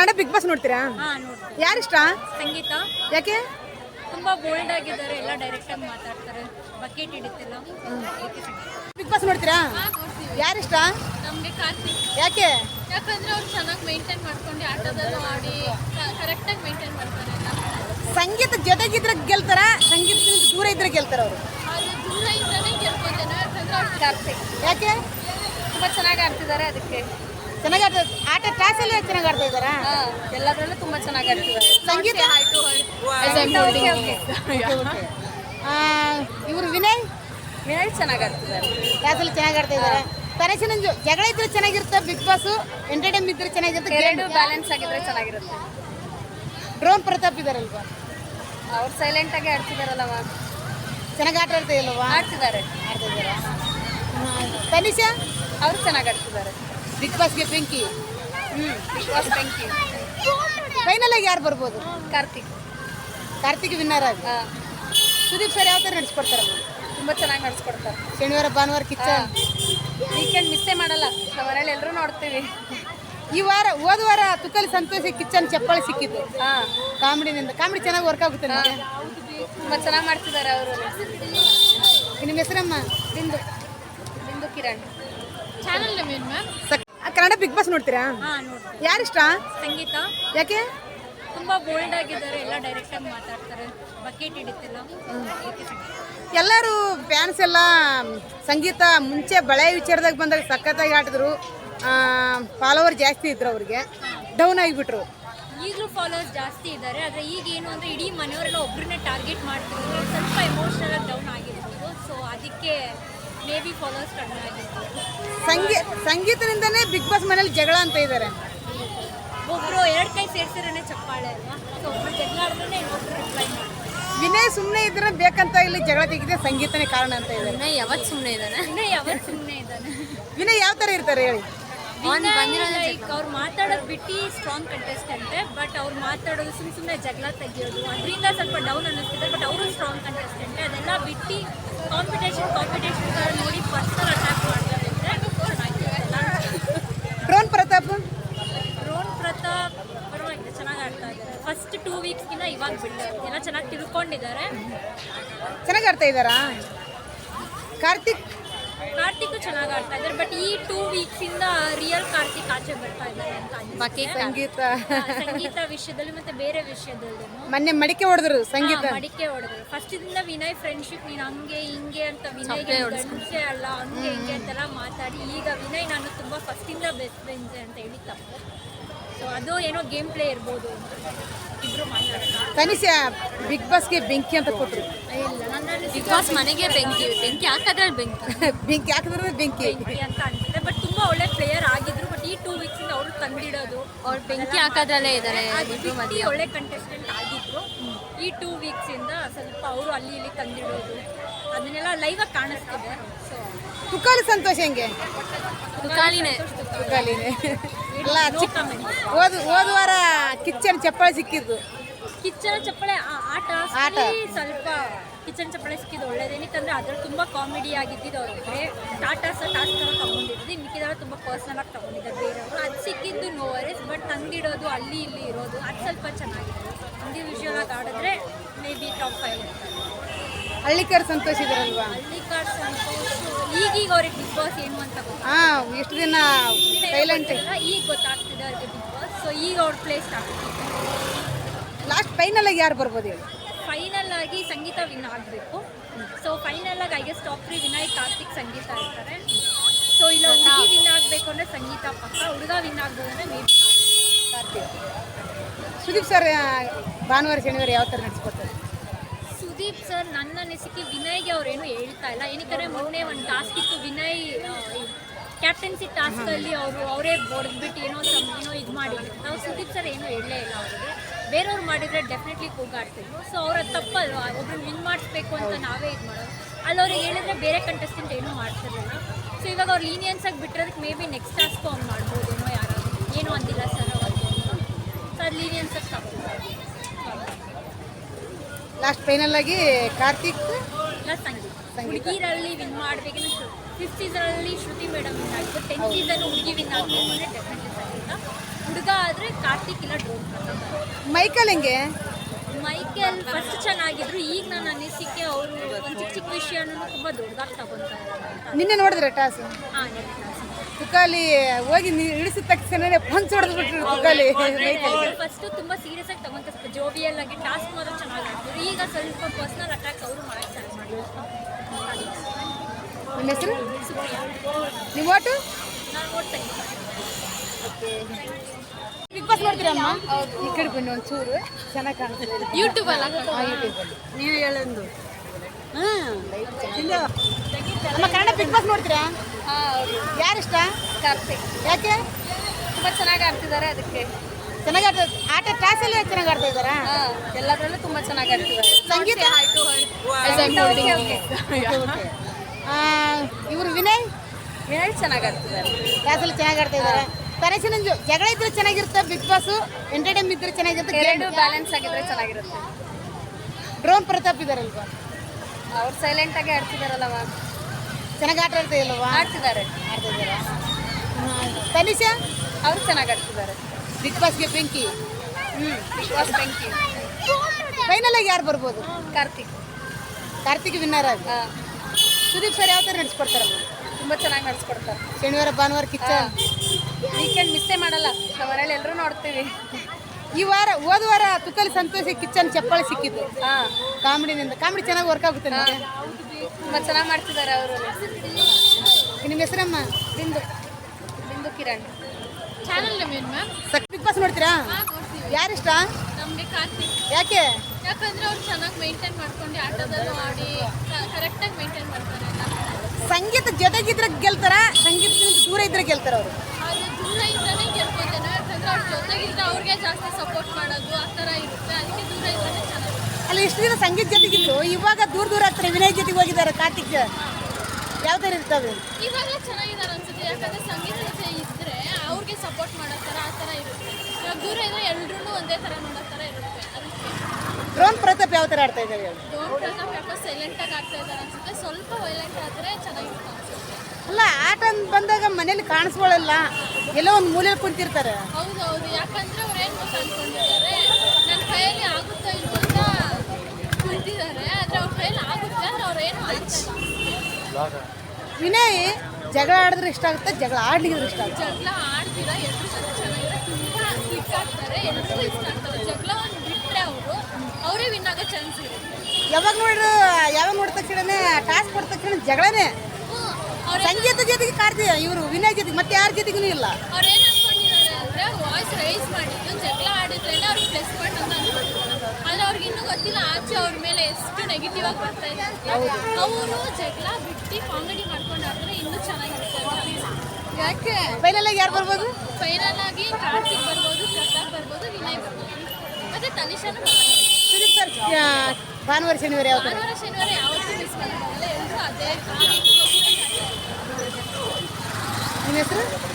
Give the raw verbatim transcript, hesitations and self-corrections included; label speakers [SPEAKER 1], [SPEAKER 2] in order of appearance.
[SPEAKER 1] Kannada big boss ನೋಡ್ತೀರಾ?
[SPEAKER 2] ಹಾ ನೋಡ್ತೀನಿ.
[SPEAKER 1] ಯಾರಿಷ್ಟ?
[SPEAKER 2] ಸಂಗೀತ
[SPEAKER 1] ಯಾಕೆ?
[SPEAKER 2] ತುಂಬಾ ಬೋಲ್ಡ್ ಆಗಿದ್ದಾರೆ, ಎಲ್ಲ ಡೈರೆಕ್ಟ್ ಆಗಿ ಮಾತಾಡ್ತಾರೆ, ಬಕೆಟ್ ಹಿಡಿತಿಲ್ಲ.
[SPEAKER 1] ಬಿಗ್ ಬಾಸ್ ನೋಡ್ತೀರಾ? ಯಾರಿಷ್ಟ?
[SPEAKER 2] ನಮಗೆ ಕಾರ್ತಿಕ್.
[SPEAKER 1] ಯಾಕೆ?
[SPEAKER 2] ಯಾಕಂದ್ರೆ ಅವ್ರು ಚೆನ್ನಾಗಿ ಮೇಂಟೈನ್ ಮಾಡ್ಕೊಂಡು ಆಟದಲ್ಲೂ ಆಡಿ ಕರೆಕ್ಟಾಗಿ ಮೇಂಟೈನ್ ಮಾಡ್ತಾರೆ.
[SPEAKER 1] ಸಂಗೀತ ಜೊತೆಗಿದ್ರೆ ಗೆಲ್ತಾರ, ಸಂಗೀತದಿಂದ ದೂರ ಇದ್ರೆ ಗೆಲ್ತಾರ ಅವರು?
[SPEAKER 2] ಅದು ದೂರ ಇಂದಾನೆ ಗೆಲ್ಬೋದೇನೋ, ಯಾಕಂದ್ರೆ ಅವ್ರು ಕಾರ್ತಿಕ್
[SPEAKER 1] ಯಾಕೆ?
[SPEAKER 2] ತುಂಬಾ ಚೆನ್ನಾಗಿ ಆಡ್ತಿದ್ದಾರೆ, ಅದಕ್ಕೆ.
[SPEAKER 1] ಚೆನ್ನಾಗಿ ಆಟ ಆಟ ಕ್ಲಾಸಲ್ಲಿ ಚೆನ್ನಾಗಿ ಆಡ್ತಾ ಇದ್ದಾರಾ?
[SPEAKER 2] ಎಲ್ಲದರಲ್ಲೂ ತುಂಬಾ ಚೆನ್ನಾಗಿ ಆಡ್ತಿದ್ದಾರೆ.
[SPEAKER 1] ಸಂಗೀತ ಇವರು ವಿನಯ್
[SPEAKER 2] ವಿನಯ್ ಚೆನ್ನಾಗಿ ಆಡ್ತಿದ್ದಾರೆ,
[SPEAKER 1] ಕ್ಲಾಸಲ್ಲಿ ಚೆನ್ನಾಗಿ ಆಡ್ತಾ ಇದ್ದಾರೆ. ತರಸಿನ ಜಗಳ ಇದ್ರೆ ಚೆನ್ನಾಗಿರುತ್ತೆ, ಬಿಗ್ ಬಾಸ್ ಎಂಟರ್ಟೈನ್ ಇದ್ರೆ ಚೆನ್ನಾಗಿರುತ್ತೆ,
[SPEAKER 2] ಎರಡು ಬ್ಯಾಲೆನ್ಸ್ ಆಗಿದ್ರೆ ಚೆನ್ನಾಗಿರುತ್ತೆ.
[SPEAKER 1] ಡ್ರೋನ್ ಪ್ರತಾಪ್ ಇದಾರಲ್ವಾ,
[SPEAKER 2] ಅವ್ರು ಸೈಲೆಂಟ್ ಆಗಿ ಆಡ್ತಿದಾರಲ್ಲವ,
[SPEAKER 1] ಚೆನ್ನಾಗಿ ಆಟ ಆಡ್ತಾ ಇಲ್ಲವಾ?
[SPEAKER 2] ಆಡ್ತಿದ್ದಾರೆ.
[SPEAKER 1] ಆಡ್ತಾ ಇದ್ದಾರಾ? ತನಿಷಾ
[SPEAKER 2] ಅವ್ರು ಚೆನ್ನಾಗಿ ಆಡ್ತಿದ್ದಾರೆ.
[SPEAKER 1] ಬಿಗ್ ಬಾಸ್ಗೆ ಬೆಂಕಿ.
[SPEAKER 2] ಹ್ಮ್ ಬಿಗ್ ಬಾಸ್ ಬೆಂಕಿ.
[SPEAKER 1] ಫೈನಲ್ ಆಗಿ ಯಾರು ಬರ್ಬೋದು?
[SPEAKER 2] ಕಾರ್ತಿಕ್.
[SPEAKER 1] ಕಾರ್ತಿಕ್ ವಿನ್ನರ್ ಆಗಿ. ಸುದೀಪ್ ಸರ್ ಯಾವ ಥರ ನಡೆಸ್ಕೊಡ್ತಾರಮ್ಮ?
[SPEAKER 2] ತುಂಬಾ ಚೆನ್ನಾಗಿ ನಡೆಸ್ಕೊಡ್ತಾರೆ.
[SPEAKER 1] ಶನಿವಾರ ಭಾನುವಾರ ಕಿಚ್ಚನ್
[SPEAKER 2] ವೀಕೆಂಡ್ ಮಿಸ್ಸೇ ಮಾಡಲ್ಲ, ನಾವು ಮನೇಲಿ ಎಲ್ಲರೂ ನೋಡ್ತೀವಿ.
[SPEAKER 1] ಈ ವಾರ ಹೋದ ವಾರ ತುಕಲಿ ಸಂತೋಷ ಕಿಚ್ಚನ್ ಚಪ್ಪಾಳೆ ಸಿಕ್ಕಿದ್ದು
[SPEAKER 2] ಹಾ
[SPEAKER 1] ಕಾಮಿಡಿನಿಂದ. ಕಾಮಿಡಿ ಚೆನ್ನಾಗಿ ವರ್ಕ್ ಆಗುತ್ತೆ ನಿಮಗೆ?
[SPEAKER 2] ತುಂಬಾ ಚೆನ್ನಾಗಿ ಮಾಡ್ತಿದ್ದಾರೆ ಅವರು.
[SPEAKER 1] ನಿಮ್ಮ ಹೆಸರಮ್ಮ?
[SPEAKER 2] ಬಿಂದು ಬಿಂದು ಕಿರಣ್. ಚಾನಲ್ ನೇಮ್ ಏನು ಮ್ಯಾಮ್?
[SPEAKER 1] ಕನ್ನಡ ಬಿಗ್ ಬಾಸ್ ನೋಡ್ತೀರಾ?
[SPEAKER 2] ಹಾ ನೋಡ್ತೀನಿ.
[SPEAKER 1] ಯಾರಿಷ್ಟ?
[SPEAKER 2] ಸಂಗೀತ.
[SPEAKER 1] ಯಾಕೆ?
[SPEAKER 2] ತುಂಬಾ ಬೋಲ್ಡ್ ಆಗಿದ್ದಾರೆ, ಎಲ್ಲ ಡೈರೆಕ್ಟ್ ಆಗಿ ಮಾತಾಡ್ತಾರೆ, ಬಕೆಟ್ ಹಿಡಿತಿಲ್ಲ.
[SPEAKER 1] ಎಲ್ಲರೂ ಫ್ಯಾನ್ಸ್ ಎಲ್ಲ ಸಂಗೀತ ಮುಂಚೆ ಬಳೆ ವಿಚಾರದಾಗ ಬಂದಾಗ ಸಖತ್ತಾಗಿ ಆಡಿದ್ರು, ಫಾಲೋವರ್ ಜಾಸ್ತಿ ಇದ್ರು, ಅವ್ರಿಗೆ ಡೌನ್ ಆಗಿಬಿಟ್ರು.
[SPEAKER 2] ಈಗಲೂ ಫಾಲೋವರ್ಸ್ ಜಾಸ್ತಿ ಇದ್ದಾರೆ, ಆದರೆ ಈಗ ಏನು ಅಂದರೆ ಇಡೀ ಮನೆಯವರೆಲ್ಲ ಒಬ್ಬರನ್ನೇ ಟಾರ್ಗೆಟ್ ಮಾಡ್ತಿದ್ರು, ಸ್ವಲ್ಪ ಎಮೋಷನಲ್ ಆಗಿ ಡೌನ್ ಆಗಿರ್ಬೋದು. ಸೊ ಅದಕ್ಕೆ ಮೇ ಬಿ ಫಾಲೋವರ್ಸ್ ಕಡಿಮೆ ಆಗಿರ್ಬೋದು.
[SPEAKER 1] ಸಂಗೀ ಸಂಗೀತದಿಂದನೇ ಬಿಗ್ ಬಾಸ್ ಮನೇಲಿ ಜಗಳ ಅಂತ ಇದ್ದಾರೆ.
[SPEAKER 2] ಒಬ್ಬರು ಎರಡು ಕೈ ಸೇರ್ಸಿರೋನೆ ಚಪ್ಪಾಳೆ ಅಲ್ವಾ, ಸೊ ಒಬ್ಬರು ಜಗಳ ಆಡಿದ್ರೆ ಇನ್ನೊಬ್ರು ರಿಪ್ಲೈ ಮಾಡ್ತಾರೆ.
[SPEAKER 1] ವಿನಯ್ ಸುಮ್ಮನೆ ಇದ್ರೆ ಬೇಕಂತ ಇಲ್ಲಿ ಜಗಳ ತೆಗಿದೆ, ಸಂಗೀತನೇ ಕಾರಣ ಅಂತ ಇದ್ದಾರೆ.
[SPEAKER 2] ವಿನಯ್ ಯಾವತ್ತು ಸುಮ್ಮನೆ ಇದ್ದಾನೆ? ವಿನಯ್ ಯಾವತ್ತು ಸುಮ್ಮನೆ ಇದ್ದಾನೆ?
[SPEAKER 1] ವಿನಯ್ ಯಾವ ಥರ ಇರ್ತಾರೆ ಹೇಳಿ?
[SPEAKER 2] ಲೈಕ್ ಅವ್ರು ಮಾತಾಡೋದು ಬಿಟ್ಟು ಸ್ಟ್ರಾಂಗ್ ಕಂಟೆಸ್ಟೆಂಟೆ, ಬಟ್ ಅವ್ರು ಮಾತಾಡೋದು ಸುಮ್ಮನೆ ಸುಮ್ಮನೆ ಜಗಳ ತೆಗಿಯೋದು ಅದರಿಂದ ಸ್ವಲ್ಪ ಡೌನ್ ಅನ್ನಿಸ್ತಿದೆ. ಬಟ್ ಅವರು ಸ್ಟ್ರಾಂಗ್ ಕಂಟೆಸ್ಟೆಂಟೆ, ಅದೆಲ್ಲ ಬಿಟ್ಟು ಕಾಂಪಿಟೇಷನ್ ಕಾಂಪಿಟೇಷನ್ ನೋಡಿ ಪರ್ಸನಲ್ ಅಟ್ಯಾಕ್ ಮಾಡ್ತಾರೆ.
[SPEAKER 1] ಡ್ರೋನ್ ಪ್ರತಾಪ್
[SPEAKER 2] ಡ್ರೋನ್ ಪ್ರತಾಪ್ ಪರವಾಗಿಲ್ಲ, ಚೆನ್ನಾಗಿ ಆಡ್ತಾ ಇದ್ದಾರೆ. ಫಸ್ಟ್ ಟೂ ವೀಕ್ಸ್ಗಿಂತ ಇವಾಗ ಬಿಟ್ಟು ಎಲ್ಲ ಚೆನ್ನಾಗಿ ತಿಳ್ಕೊಂಡಿದ್ದಾರೆ,
[SPEAKER 1] ಚೆನ್ನಾಗಿ ಆಡ್ತಾ ಇದ್ದಾರಾ? ಕಾರ್ತಿಕ್
[SPEAKER 2] ಕಾರ್ತಿಕ್ ಚೆನ್ನಾಗಿ ಆಡ್ತಾ ಇದ್ದಾರೆ, ಬಟ್ ಈ ಟೂ ವೀಕ್ಸ್ ಇಂದ ರಿಯಲ್ ಕಾರ್ತಿಕ್ ಆಚೆ ಬರ್ತಾ ಇದ್ದಾರೆ ಅಂತ ಅನ್ಸುತ್ತೆ.
[SPEAKER 1] ಸಂಗೀತ
[SPEAKER 2] ಸಂಗೀತ ವಿಷಯದಲ್ಲಿ ಮತ್ತೆ ಬೇರೆ ವಿಷಯದಲ್ಲಿ
[SPEAKER 1] ಮೊನ್ನೆ ಮಡಿಕೆ ಹೊಡೆದ್ರು ಸಂಗೀತ.
[SPEAKER 2] ಮಡಿಕೆ ಹೊಡೆದ್ರು. ಫಸ್ಟ್ ಇಂದ ವಿನಯ್ ಫ್ರೆಂಡ್ಶಿಪ್ ನೀನು ಹಂಗೆ ಹಿಂಗೆ ಅಂತ ವಿನಯ್ಗೆ ಗಂಡಸೆ ಅಲ್ಲ ಹಂಗೆ ಹಿಂಗೆ ಅಂತೆಲ್ಲ ಮಾತಾಡಿ, ಈಗ ವಿನಯ್ ನಾನು ತುಂಬಾ ಫಸ್ಟ್ ಇಂದ ಬೆಸ್ಟ್ ಫ್ರೆಂಡ್ಸ್ ಅಂತ ಹೇಳಿ ತಪ್ಪು. ಸೊ ಅದು ಏನೋ ಗೇಮ್ ಪ್ಲೇ ಇರ್ಬೋದು ಅಂತ ಇಬ್ರು ಮಾತಾಡೋಣ.
[SPEAKER 1] ತನಿಷಾ ಬಿಗ್ ಬಾಸ್ಗೆ ಬೆಂಕಿ ಅಂತ ಕೊಟ್ರು.
[SPEAKER 2] ಇಲ್ಲ, ನನ್ನ ಬಿಗ್ ಬಾಸ್ ಮನೆಗೆ ಬೆಂಕಿ ಬೆಂಕಿ ಹಾಕಿದ್ರೆ ಬೆಂಕಿ
[SPEAKER 1] ಬೆಂಕಿ ಹಾಕಿದ್ರೆ ಬೆಂಕಿ
[SPEAKER 2] ಬೆಂಕಿ ಅಂತ ಅನ್ಸುತ್ತೆ. ಬಟ್ ತುಂಬಾ ಒಳ್ಳೆ ಪ್ಲೇಯರ್ ಆಗಿದ್ರು, ಬಟ್ ಈ ಟೂ ವೀಕ್ಸ್ ಇಂದ ಅವರು ತಂದಿಡೋದು,
[SPEAKER 3] ಅವ್ರು ಬೆಂಕಿ ಹಾಕೋದ್ರಲ್ಲೇ ಇದ್ದಾರೆ.
[SPEAKER 2] ಒಳ್ಳೆ ಕಂಟೆಸ್ಟೆಂಟ್ ಆಗಿದ್ರು, ಈ ಟೂ ವೀಕ್ಸ್ ಇಂದ ಸ್ವಲ್ಪ ಅವರು ಅಲ್ಲಿ ಇಲ್ಲಿ ತಂದಿಡೋದು ಅದನ್ನೆಲ್ಲ ಲೈವ್ ಆಗಿ ಕಾಣಿಸ್ತಿದೆ. ಸೊ
[SPEAKER 1] ತುಕಾಲಿ ಸಂತೋಷ ಹೆಂಗೆ?
[SPEAKER 3] ತುಕಾಲಿನೇ
[SPEAKER 1] ತುಕಾಲಿನೇ ಎಲ್ಲ ಹೋದ ಹೋದ ವಾರ ಕಿಚ್ಚನ್ ಚಪ್ಪಾಳೆ ಸಿಕ್ಕಿದ್ದು.
[SPEAKER 2] ಕಿಚ್ಚನ ಚಪ್ಪಳೆ ಆಟ
[SPEAKER 1] ಆಟ
[SPEAKER 2] ಸ್ವಲ್ಪ ಕಿಚನ್ ಚಪ್ಪಳೆ ಸಿಕ್ಕಿದ್ದು ಒಳ್ಳೇದು. ಏನಕ್ಕಂದ್ರೆ ಅದ್ರಲ್ಲಿ ತುಂಬ ಕಾಮಿಡಿ ಆಗಿದ್ದಿದ್ದು ಅವ್ರಿಗೆ ಟಾಟಾ ಸಹ ಟಾಸ್ಕ್ ತಗೊಂಡಿದ್ದು, ಮಿಕ್ಕಿದವರು ತುಂಬ ಪರ್ಸನಲ್ ಆಗಿ ತಗೊಂಡಿದ್ದಾರೆ ಬೇರೆಯವರು. ಅದು ಸಿಕ್ಕಿದ್ದು ನೋ ವರೀಸ್, ಬಟ್ ತಂದಿಡೋದು ಅಲ್ಲಿ ಇಲ್ಲಿ ಇರೋದು ಅದು ಸ್ವಲ್ಪ ಚೆನ್ನಾಗಿದೆ. ಇಂಡಿವಿಜುವಲ್ ಆಗಿ ಆಡಿದ್ರೆ maybe top five.
[SPEAKER 1] Hallikar Santhosh ಇದಾರಲ್ವಾ?
[SPEAKER 2] ಹಳ್ಳಿಕಾರ್ ಸಂತೋಷ್ ಈಗೀಗ ಅವ್ರಿಗೆ ಬಿಗ್ ಬಾಸ್ ಏನು ಅಂತ ಗೊತ್ತಿಲ್ಲ.
[SPEAKER 1] ಹಾಂ, ಎಷ್ಟು ದಿನ ಸೈಲೆಂಟ್
[SPEAKER 2] ಈಗ ಗೊತ್ತಾಗ್ತಿದೆ ಅವ್ರಿಗೆ ಬಿಗ್ ಬಾಸ್. ಸೊ ಈಗ ಅವ್ರ ಪ್ಲೇಸ್ ಆಗ್ತಿದೆ.
[SPEAKER 1] ಲಾಸ್ಟ್ ಫೈನಲ್ ಆಗಿ ಯಾರು ಬರ್ಬೋದು ಹೇಳಿ?
[SPEAKER 2] ಫೈನಲ್ ಆಗಿ ಸಂಗೀತ ವಿನ್ ಆಗಬೇಕು. ಸೊ ಫೈನಲ್ ಆಗಿ I guess top three Vinay, Karthik, Sangeetha ಇರ್ತಾರೆ. ಸೊ ಇಲ್ಲ ಹುಡುಗಿ ವಿನ್ ಆಗಬೇಕು ಅಂದರೆ ಸಂಗೀತ ಪಕ್ಕ, ಹುಡುಗ ವಿನ್ ಆಗ್ಬೋದು ಅಂದರೆ maybe
[SPEAKER 1] Karthik. Sudeep sir ಭಾನುವಾರ ಶನಿವಾರ ಯಾವ ಥರ ನಡೆಸ್ಕೊಡ್ತಾರೆ?
[SPEAKER 2] ಸುದೀಪ್ ಸರ್ ನನ್ನ ಅನಿಸಿಕೆ ವಿನಯ್ಗೆ ಅವ್ರೇನು ಹೇಳ್ತಾ ಇಲ್ಲ. ಏನಕ್ಕೆ ಮೊನ್ನೆ ಒಂದು ಟಾಸ್ಕ್ ಇತ್ತು, ವಿನಯ್ ಕ್ಯಾಪ್ಟನ್ಸಿ ಟಾಸ್ಕಲ್ಲಿ ಅವರು ಅವರೇ ಹೊಡೆದ್ಬಿಟ್ಟು ಏನೋ ಏನೋ ಇದು ಮಾಡಿದ್ರು. ನಾವು ಸುದೀಪ್ ಸರ್ ಏನೂ ಹೇಳಲೇ ಇಲ್ಲ ಅವರಿಗೆ. ಬೇರೆಯವ್ರು ಮಾಡಿದರೆ ಡೆಫಿನೆಟ್ಲಿ ಕೂಗಾಡ್ತಿದ್ರು. ಸೊ ಅವರ ತಪ್ಪಲ್ವಾ, ಒಬ್ರನ್ನ ವಿನ್ ಮಾಡಿಸ್ಬೇಕು ಅಂತ ನಾವೇ ಇದು ಮಾಡೋದು. ಅಲ್ಲಿ ಅವ್ರಿಗೆ ಹೇಳಿದ್ರೆ ಬೇರೆ ಕಂಟೆಸ್ಟೆಂಟ್ ಏನೂ ಮಾಡ್ತಿರಲಿಲ್ಲ. ಸೊ ಇವಾಗ ಅವ್ರು ಲೀನಿಯನ್ಸ್ ಆಗಿ ಬಿಟ್ಟಿರೋದಕ್ಕೆ ಮೇ ಬಿ ನೆಕ್ಸ್ಟ್ ಟಾಸ್ಕ್ ಅವ್ನು ಮಾಡ್ಬೋದೇನೋ, ಯಾರಾದರೂ ಏನೂ ಅಂದಿಲ್ಲ ಸರ್ ಅವತ್ತು. ಸೊ ಅದು ಲೀನಿಯನ್ಸ್ ಆಗಿ ತಗೊಳ್ತಾರೆ.
[SPEAKER 1] ಲಾಸ್ಟ್ ಫೈನಲ್ ಆಗಿ ಕಾರ್ತಿಕ್
[SPEAKER 2] ಇಲ್ಲ ಸಂಗೀತ. ಹುಡುಗಿರಲ್ಲಿ ವಿನ್ ಮಾಡಬೇಕಂದ್ರೆ ಫಿಫ್ತ್ ಸೀಸನಲ್ಲಿ ಶ್ರುತಿ ಮೇಡಮ್ ವಿನ್ ಆಗಿತ್ತು, ಟೆಂತ್ ಸೀಸನ್ ಹುಡುಗಿ ವಿನ್ ಆಗಬೇಕು ಅಂದರೆ ಡೆಫಿನೆಟ್ಲಿ ಸಂಗೀತ. ಹುಡುಗ ಹುಡುಗ ಆದರೆ ಕಾರ್ತಿಕ್ ಇಲ್ಲ ಡ್ರೋನ್ ಪ್ರತಾಪ್.
[SPEAKER 1] ಮೈಕಲ್ ಹೆಂಗೆ?
[SPEAKER 2] ಮೈಕೆಲ್ ಫಸ್ಟ್ ಚೆನ್ನಾಗಿದ್ರು, ಈಗ ನನ್ನ ಅನಿಸಿಕೆ ಅವರು ಒಂದು ಚಿಕ್ಕ ಚಿಕ್ಕ ವಿಷಯನೂ ತುಂಬ ದೊಡ್ಡದಾಗಿ ತಗೊತಾ ಇದ್ದಾರೆ.
[SPEAKER 1] ನಿನ್ನೆ ನೋಡಿದ್ರೆ ಟಾಸ್
[SPEAKER 2] ಹಾಂ,
[SPEAKER 1] ತುಕಾಲಿ ಹೋಗಿ ಇಳಿಸಿದ ತಕ್ಷಣ ಪಂಚ್ ಹೊಡೆದು ಬಿಟ್ರು ತುಕಾಲಿ ಮೈಕಲ್.
[SPEAKER 2] ಫಸ್ಟ್ ತುಂಬ ಸೀರಿಯಸ್ ಆಗಿ ತಗೊಂತ ಜೋಬಿಯಲ್ ಆಗಿ ಟಾಸ್ಕ್ ಮಾತ್ರ ಚೆನ್ನಾಗಿ ಆಡ್ತಿದ್ರು. ಈಗ ಸ್ವಲ್ಪ ಪರ್ಸನಲ್ ಅಟ್ಯಾಕ್ಸ್ ಅವರು ಮಾಡಕ್ಕೆ ಸ್ಟಾರ್ಟ್ ಮಾಡಿದ್ರು.
[SPEAKER 1] ನಿಮ್ಮ ಹೆಸರು? ನಿಮ್ಮ ಓಟು?
[SPEAKER 2] ನಾನು ಓಡ್ತಾ ಇದ್ದೀನಿ.
[SPEAKER 1] ಬಿಗ್ ಬಾಸ್ ನೋಡ್ತೀರಮ್ಮ? ಈ ಕಡೆ ಬನ್ನಿ ಒಂಚೂರು ಚೆನ್ನಾಗಿ ಕಾಣ್ತದೆ.
[SPEAKER 3] ಯೂಟ್ಯೂಬ್ ಅಲ್ಲ
[SPEAKER 1] ಯೂಟ್ಯೂಬಲ್ಲಿ ನೀವು ಹೇಳೊಂದು ನಮ್ಮ ಕನ್ನಡ ಬಿಗ್ ಬಾಸ್ ನೋಡ್ತೀರಾ? ಯಾರು ಇಷ್ಟ?
[SPEAKER 3] ಕಾರ್ತಿಕ್
[SPEAKER 1] ಯಾಕೆ?
[SPEAKER 3] ತುಂಬ ಚೆನ್ನಾಗಿ ಆಡ್ತಿದ್ದಾರೆ, ಅದಕ್ಕೆ
[SPEAKER 1] ಚೆನ್ನಾಗಿ ಆಟ ಆಟ ಟಾಸ್ ಎಲ್ಲ ಚೆನ್ನಾಗಿ ಆಡ್ತಾ ಇದ್ದಾರಾ?
[SPEAKER 3] ಎಲ್ಲದರಲ್ಲೂ ತುಂಬ ಚೆನ್ನಾಗಿ ಆಡ್ತಿದ್ದಾರೆ.
[SPEAKER 1] ಸಂಗೀತ ಇವರು ವಿನಯ್
[SPEAKER 3] ವಿನಯ್ ಚೆನ್ನಾಗಿ ಆಡ್ತಿದ್ದಾರೆ.
[SPEAKER 1] ಟಾಸ್ ಎಲ್ಲ ಚೆನ್ನಾಗಿ ಆಡ್ತಾ ಇದ್ದಾರೆ. ತರೇಶನ ಜಗಳ ಇದ್ರೆ ಚೆನ್ನಾಗಿರುತ್ತೆ, ಬಿಗ್ ಬಾಸ್ ಎಂಟರ್ಟೈನ್ ಇದ್ರೆ ಚೆನ್ನಾಗಿರುತ್ತೆ.
[SPEAKER 3] ಎರಡು ಬ್ಯಾಲೆನ್ಸ್ ಆಗಿದ್ರೆ ಚೆನ್ನಾಗಿರುತ್ತೆ.
[SPEAKER 1] ಡ್ರೋನ್ ಪ್ರತಾಪ್ ಇದಾರಲ್ವಾ,
[SPEAKER 3] ಅವ್ರು ಸೈಲೆಂಟ್ ಆಗಿ ಆಡ್ತಿದಾರಲ್ಲವ,
[SPEAKER 1] ಚೆನ್ನಾಗಿ ಆಟ ಆಡ್ತಾ ಇಲ್ಲವಾ?
[SPEAKER 3] ಆಡ್ತಿದ್ದಾರೆ
[SPEAKER 1] ಆಡ್ತಾ ಇದ್ದಾರಾ? ತನಿಷಾ
[SPEAKER 3] ಅವ್ರು ಚೆನ್ನಾಗಿ ಆಡ್ತಿದ್ದಾರೆ.
[SPEAKER 1] ಬಿಗ್ ಬಾಸ್ಗೆ ಬೆಂಕಿ.
[SPEAKER 3] ಹ್ಞೂ ಬಿಗ್ ಬಾಸ್ ಬೆಂಕಿ.
[SPEAKER 1] ಫೈನಲ್ ಆಗಿ ಯಾರು ಬರ್ಬೋದು?
[SPEAKER 3] ಕಾರ್ತಿಕ್
[SPEAKER 1] ಕಾರ್ತಿಕ್ ವಿನ್ನರ್ ಆಗಿ.
[SPEAKER 3] ಹಾಂ,
[SPEAKER 1] ಸುದೀಪ್ ಸರ್ ಯಾವ ಥರ ನಡೆಸ್ಕೊಡ್ತಾರಮ್ಮ?
[SPEAKER 3] ತುಂಬ ಚೆನ್ನಾಗಿ ನಡೆಸ್ಕೊಡ್ತಾರೆ.
[SPEAKER 1] ಶನಿವಾರ ಭಾನುವಾರ ಕಿಚ್ಚನ್
[SPEAKER 3] ವೀಕೆಂಡ್ ಮಿಸ್ಸೇ ಮಾಡಲ್ಲ. ನಮ್ಮ ಮನೇಲಿ ಎಲ್ಲರೂ ನೋಡ್ತೀವಿ.
[SPEAKER 1] ಈ ವಾರ ಹೋದ ವಾರ ತುಕಲಿ ಸಂತೋಷ ಕಿಚ್ಚನ್ ಚಪ್ಪಾಳೆ ಸಿಕ್ಕಿದ್ದು
[SPEAKER 3] ಹಾಂ,
[SPEAKER 1] ಕಾಮಿಡಿನಿಂದ. ಕಾಮಿಡಿ ಚೆನ್ನಾಗಿ ವರ್ಕ್ ಆಗುತ್ತೆ ನಿಮಗೆ?
[SPEAKER 3] ತುಂಬ ಚೆನ್ನಾಗಿ ಮಾಡ್ತಿದ್ದಾರೆ ಅವರು.
[SPEAKER 1] ನಿಮ್ಮ ಹೆಸರಮ್ಮ?
[SPEAKER 3] Bindu Bindu Kiran. Channel name ma'am?
[SPEAKER 1] Big boss ನೋಡ್ತೀರಾ? ಯಾರಿಷ್ಟ?
[SPEAKER 3] ನಮಗೆ ಕಾರ್ತಿಕ್.
[SPEAKER 1] ಯಾಕೆ?
[SPEAKER 3] ಯಾಕಂದ್ರೆ ಅವ್ರು ಚೆನ್ನಾಗಿ ಮೇಂಟೈನ್ ಮಾಡ್ಕೊಂಡು ಆಟದಲ್ಲೂ ಆಡಿ ಕರೆಕ್ಟಾಗಿ ಮೇಂಟೈನ್ ಮಾಡ್ತಾರೆ.
[SPEAKER 1] ಸಂಗೀತ ಜೊತೆಗಿದ್ರೆ ಗೆಲ್ತಾರ, ಸಂಗೀತದಿಂದ ದೂರ ಇದ್ರೆ ಗೆಲ್ತಾರ ಅವರು?
[SPEAKER 3] ಅದು ದೂರ ಇದ್ದಾನೆ ಗೆಲ್ಬೋದೇನೋ, ಯಾಕಂದ್ರೆ ಅವ್ರ ಜೊತೆಗಿದ್ರೆ ಅವ್ರಿಗೆ ಜಾಸ್ತಿ ಸಪೋರ್ಟ್ ಮಾಡೋದು ಆ ಥರ ಇರುತ್ತೆ. ಅದಕ್ಕೆ ದೂರ ಇದ್ದಾನೆ ಚೆನ್ನಾಗಿ.
[SPEAKER 1] ಅಲ್ಲಿ ಇಷ್ಟು ದಿನ ಸಂಗೀತ ಜೊತೆಗಿದ್ರು, ಇವಾಗ ದೂರ ದೂರ ಆಗ್ತಾರೆ. ವಿನಯ್ ಜೊತೆಗೆ ಹೋಗಿದ್ದಾರೆ, ಕಾರ್ತಿಕ್ ಯಾವ ಥರ ಇರ್ತವೆ?
[SPEAKER 3] ಇವಾಗ ಚೆನ್ನಾಗಿದ್ದಾರೆ ಅನ್ಸುತ್ತೆ, ಯಾಕಂದ್ರೆ ಸಂಗೀತ ಜೊತೆ ಇದ್ರೆ ಅವ್ರಿಗೆ ಸಪೋರ್ಟ್ ಮಾಡೋ ಥರ ಆ ಥರ ಇರುತ್ತೆ. ಇವಾಗ ದೂರ ಇದ್ರೆ ಎಲ್ರೂ ಒಂದೇ ಥರ ನೋಡೋ ಥರ ಇರುತ್ತೆ. ಅದಕ್ಕೆ
[SPEAKER 1] ಡ್ರೋನ್ ಪ್ರತಾಪ್ ಯಾವ ಥರ ಆಡ್ತಾ ಇದ್ದಾರೆ ಹೇಳಿ?
[SPEAKER 3] ಡೋಂಟ್ ಪ್ರತಾಪ್ ಯಾಕೋ ಸೈಲೆಂಟಾಗಿ ಆಗ್ತಾ ಇದ್ದಾರೆ ಅನ್ಸುತ್ತೆ. ಸ್ವಲ್ಪ ವೈಲೆಂಟ್ ಆದರೆ ಚೆನ್ನಾಗಿರುತ್ತೆ ಅನ್ಸುತ್ತೆ.
[SPEAKER 1] ಅಲ್ಲ, ಆಟ ಅಂತ ಬಂದಾಗ ಮನೇಲಿ ಕಾಣಿಸ್ಕೊಳ್ಳಲ್ಲ, ಎಲ್ಲೋ ಒಂದು ಮೂಲೆಯಲ್ಲಿ ಕುಂತಿರ್ತಾರೆ.
[SPEAKER 3] ಹೌದು ಹೌದು, ಯಾಕಂದ್ರೆ ಅವ್ರು ಏನು ಗೊತ್ತ ಅನ್ಕೊಂಡಿದ್ದಾರೆ, ನನ್ನ ಕೈಯಲ್ಲಿ ಆಗುತ್ತಾ ಇಲ್ವೋ ಅಂತ ಕುಳಿತಿದ್ದಾರೆ. ಆದರೆ ಅವ್ರ ಕೈಯಲ್ಲಿ ಆಗುತ್ತೆ, ಆದರೆ ಅವ್ರು ಏನು ಆಗ್ತಾ ಇಲ್ಲ.
[SPEAKER 1] ವಿನಯ್ ಜಗಳ ಆಡಿದ್ರೆ ಇಷ್ಟ ಆಗುತ್ತೆ, ಜಗಳ ಆಡ್ಲಿಕ್ಕೆ ಇಷ್ಟ ಆಗುತ್ತೆ.
[SPEAKER 3] ಜಗಳ ಆಡ್ತೀರಾ, ಎಲ್ಲರೂ ಜೊತೆ ಚೆನ್ನಾಗಿದ್ರೆ ತುಂಬ ಕ್ಲಿಕ್ ಆಗ್ತಾರೆ, ಎಲ್ಲರಿಗೂ ಇಷ್ಟ ಆಗ್ತಾರೆ. ಜಗಳ ಒಂದು ಬಿಟ್ಟರೆ ಅವರು ಅವರೇ ವಿನ್ ಆಗೋ ಚಾನ್ಸ್ ಇರುತ್ತೆ.
[SPEAKER 1] ಯಾವಾಗ ನೋಡ್ರು ಯಾವಾಗ ನೋಡಿದ ತಕ್ಷಣ ಟಾಸ್ಕ್ ಕೊಟ್ಟ ತಕ್ಷಣ ಜಗಳನೇ.
[SPEAKER 3] ಅವ್ರು
[SPEAKER 1] ಸಂಗೀತ ಜೊತೆಗೆ ಕಾರ್ತಿ ಇವರು ವಿನಯ್ ಜೊತೆಗೆ ಮತ್ತೆ ಯಾರ ಜೊತೆಗೂ ಇಲ್ಲ.
[SPEAKER 3] ಅವ್ರು ಏನು ಅನ್ಕೊಂಡಿದ್ದಾರೆ ಅಂದರೆ ವಾಯ್ಸ್ ರೈಸ್ ಮಾಡಿದ್ದು ಜಗಳ ಆಡಿದ್ರೇ ಅವ್ರಿಗೆ ಪ್ಲಸ್ ಪಾಯಿಂಟ್ ಅಂತ ಅನ್ಕೊಂಡಿದ್ದಾರೆ. ಆದರೆ ಅವ್ರಿಗೆ ಇನ್ನೂ ಗೊತ್ತಿಲ್ಲ ಆಚೆ ಅವ್ರ ಮೇಲೆ ಎಷ್ಟು ನೆಗೆಟಿವ್ ಆಗಿ ಬರ್ತಾ ಇದೆ. ಅವರು ಜಗಳ ಬಿಟ್ಟು ಕಾಮಿಡಿ ಮಾಡ್ಕೊಂಡು ಆಡಿದ್ರೆ ಇನ್ನೂ ಚೆನ್ನಾಗಿರುತ್ತೆ. ಯಾಕೆ
[SPEAKER 1] ಫೈನಲ್ ಆಗಿ ಯಾರು ಬರ್ಬೋದು?
[SPEAKER 3] ಫೈನಲ್ ಆಗಿ ಕಾರ್ತಿಕ್ ಬರ್ಬೋದು, ಪ್ರತಾಪ್ ಬರ್ಬೋದು, ವಿನಯ್ ಬರ್ಬೋದು, ಮತ್ತೆ ತನಿಷಾನು ಬರ್ಬೋದು.
[SPEAKER 1] ಸುದೀಪ್ ಸರ್ ಭಾನುವಾರ ಶನಿವಾರ ಯಾವ ಥರ?
[SPEAKER 3] ಭಾನುವಾರ ಶನಿವಾರ ಯಾವತ್ತೂ ಮಿಸ್ ಮಾಡೋಕ್ಕಾಗಲ್ಲ. ಎಲ್ಲರೂ ಅದೇ
[SPEAKER 1] ನಿಮ್ಮ ಹೆಸರು?